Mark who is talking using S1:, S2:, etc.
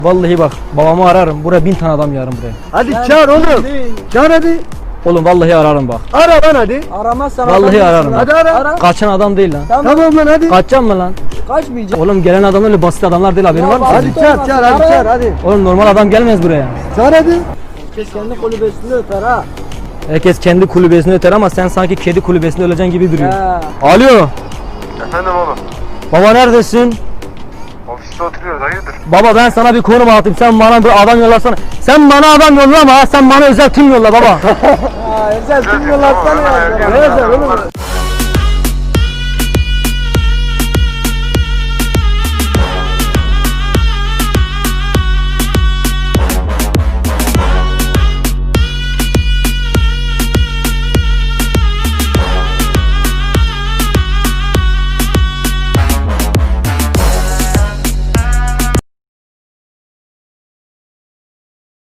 S1: Vallahi bak babamı ararım. Buraya 1000 tane adam yarım buraya.
S2: Hadi çağır oğlum. Çağır hadi.
S1: Oğlum vallahi ararım bak.
S2: Ara lan hadi.
S3: Aramazsan
S1: Vallahi
S3: adam
S1: ararım.
S2: Hadi ara.
S1: Kaçan adam değil lan.
S3: Tamam.
S2: Tamam lan hadi.
S1: Kaçacağım mı lan?
S3: Kaçmayacak.
S1: Oğlum gelen adamlar öyle basit adamlar değil, haberin var mı?
S2: Hadi çağır çağır hadi çağır hadi.
S1: Oğlum normal adam gelmez buraya.
S2: Çağır hadi.
S3: Herkes kendi kulübesini öper ha.
S1: Herkes kendi kulübesini öter ama sen sanki kedi kulübesinde öleceksin gibi duruyor.
S3: He.
S1: Alo.
S4: Efendim oğlum.
S1: Baba neredesin?
S4: Ofiste oturuyoruz, hayırdır?
S1: Baba ben sana bir konum atayım, sen bana bir adam yollasana. Sen bana adam yollama ha, sen bana özel tim yolla baba.
S3: Ha, özel kim yollarsana ya.
S2: Ne yazar oğlum?